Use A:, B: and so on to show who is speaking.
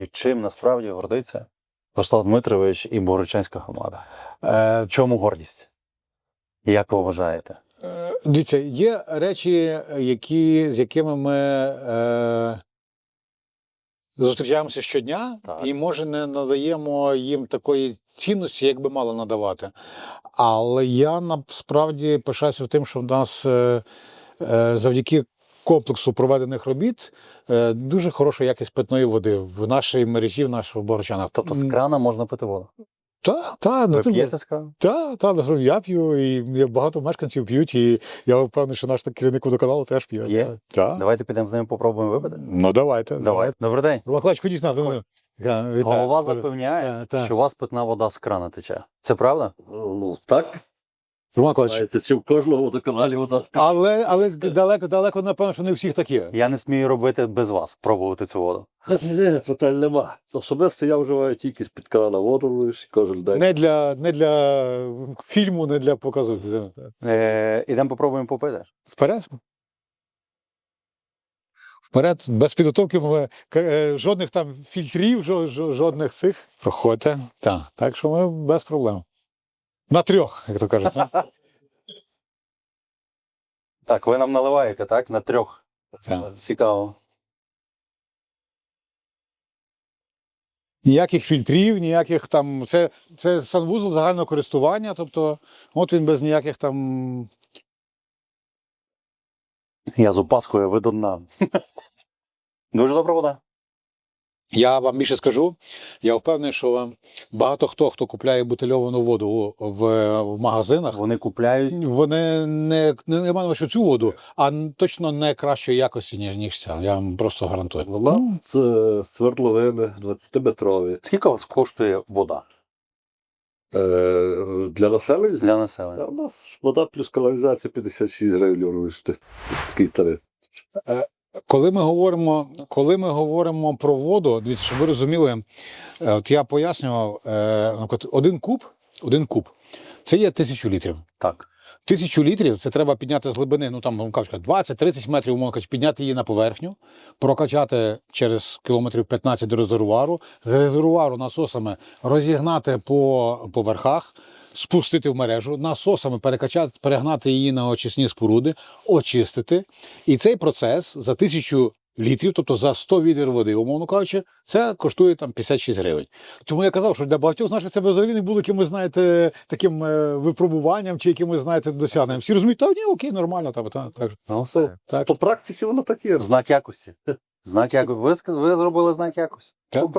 A: І чим насправді гордиться Руслан Дмитрович і Богородчанська громада? Чому гордість? І як ви вважаєте?
B: Дивіться, є речі, з якими ми зустрічаємося щодня,
A: Так.
B: і, може, не надаємо їм такої цінності, як би мало надавати. Але я насправді пишаюся тим, що в нас завдяки комплексу проведених робіт дуже хороша якість питної води в нашій мережі, в наших Богородчанах.
A: Тобто з крана можна пити воду?
B: Так,
A: Ви п'єте з крана?
B: Так, я п'ю, і багато мешканців п'ють, і я впевнений, що наш керівник водоканалу теж п'є.
A: Є?
B: Так.
A: Давайте підемо з ними попробуємо випити?
B: Ну, давайте.
A: Добрий день.
B: Роман Клач, ходіть на.
A: Голова запевняє, що у вас питна вода з крана тече. Це правда?
C: Ну, так.
B: Роман Клач.
C: Знаєте, чи в кожного водоканалі вода.
B: Але далеко, напевно, що не у всіх такі.
A: Я не смію робити без вас, пробувати цю воду.
C: Ні, питань нема. Особисто я вживаю тільки з-під крана воду кожен день.
B: Не для фільму, не для показу.
A: Ідемо попробуємо попити.
B: Вперед. Вперед, без підготовки, жодних там фільтрів, жодних цих. Проходьте. Так що ми без проблем. На трьох, як то кажуть.
A: Так, ви нам наливаєте, так? На трьох.
B: Так.
A: Цікаво.
B: Ніяких фільтрів, ніяких там. Це санвузол загального користування, тобто, от він без ніяких там.
A: Я з опаскою, ви до дна. Дуже добра вода.
B: Я вам більше скажу, я впевнений, що багато хто купляє бутильовану воду в магазинах,
A: Вони купляють.
B: вони не маю на увазі цю воду, а точно не кращої якості, ніж ця. Я вам просто гарантую.
C: Вода це свердловини 20-метрові.
A: Скільки у вас коштує вода
C: Для населення?
A: для населення?
C: У нас вода плюс каналізація 56 гривень вирішити. Такий тариф.
B: Коли ми говоримо про воду, дивіться, щоб ви розуміли, от я пояснював, наприклад, один куб – це є 1000 літрів.
A: Так.
B: 1000 літрів це треба підняти з глибини, ну там 20-30 метрів, умовно кажучи, підняти її на поверхню, прокачати через кілометрів 15 до резервуару, з резервуару насосами розігнати по поверхах, спустити в мережу, насосами перегнати її на очисні споруди, очистити. І цей процес за 1000 літрів, тобто за 100 відер води, умовно кажучи, це коштує там 56 гривень. Тому я казав, що для багатьох з наших це взагалі не було якимось, знаєте, таким випробуванням чи якимось, знаєте, досягненням. Всі розуміють, ні, окей, нормально. Так.
A: Ну все.
B: Так.
C: По практиці воно так є.
A: Знак якості. Знак якості. Ви зробили знак якості.
B: Так.